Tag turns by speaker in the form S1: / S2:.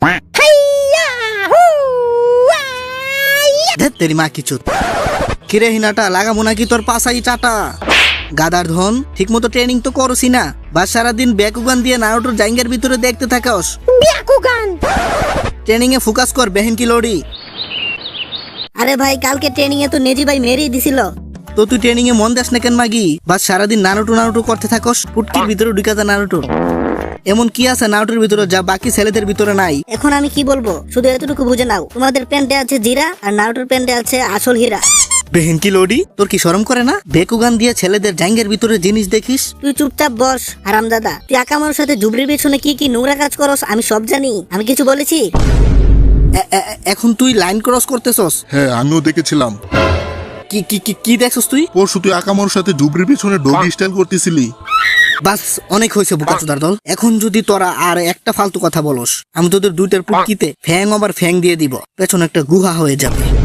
S1: তেরি মা কিছু কিরে হিনাটা লাগাবো নাকি তোর পাশাই চাটা? গাদার ধন, ঠিক মতো ট্রেনিং তো করছি না, বা সারাদিন ব্যাকুগান দিয়ে নারুটোর জাঙ্গের ভিতরে দেখতে থাকাস।
S2: ব্যাকুগান
S1: ট্রেনিং এ ফোকাস কর বেহেন কি লড়ি।
S2: আরে ভাই কালকে ট্রেনিং এ তো নেজি ভাই মেরেই দিছিল।
S1: তো তুই ট্রেনিং এ মন দেস না কেন মাগি? বা সারাদিন নারুটো করতে থাকস, পুটকির ভিতরে ঢুকা যা নারুটো। এমন কি আছে নারুটোর ভিতরে যা বাকি ছেলেদের ভিতরে নাই?
S2: এখন আমি কি বলবো, শুধু এতটুকু বুঝে নাও, তোমাদের প্যান্টে আছে জিরা আর নারুটোর প্যান্টে আছে আসল হীরা।
S1: বেহেন কি লড়ি, তোর কি শরম করে না? বেকুগান দিয়ে ছেলেদের জাঙ্গের ভিতরে জিনিস দেখিস?
S2: তুই চুপচাপ বস হারামজাদা। তুই আকামার সাথে জুবরির পেছনে কি কি নোংরা কাজ করস আমি সব জানি। আমি কিছু বলেছি?
S1: এখন তুই লাইন ক্রস করতেছস?
S3: হ্যাঁ, আমিও দেখেছিলাম।
S1: কি কি কি কি দেখছস তুই?
S3: পরশু তুই আকামার সাথে জুবরির পিছনে ডগি স্টাইল করতেছিলি।
S1: বাস অনেক হয়েছে বোকাচোদার দল। এখন যদি তোরা আর একটা ফালতু কথা বলস, আমি তোদের দুইটার পুটকিতে ফ্যাং আবার ফ্যাং দিয়ে দিব, পেছনে একটা গুহা হয়ে যাবে।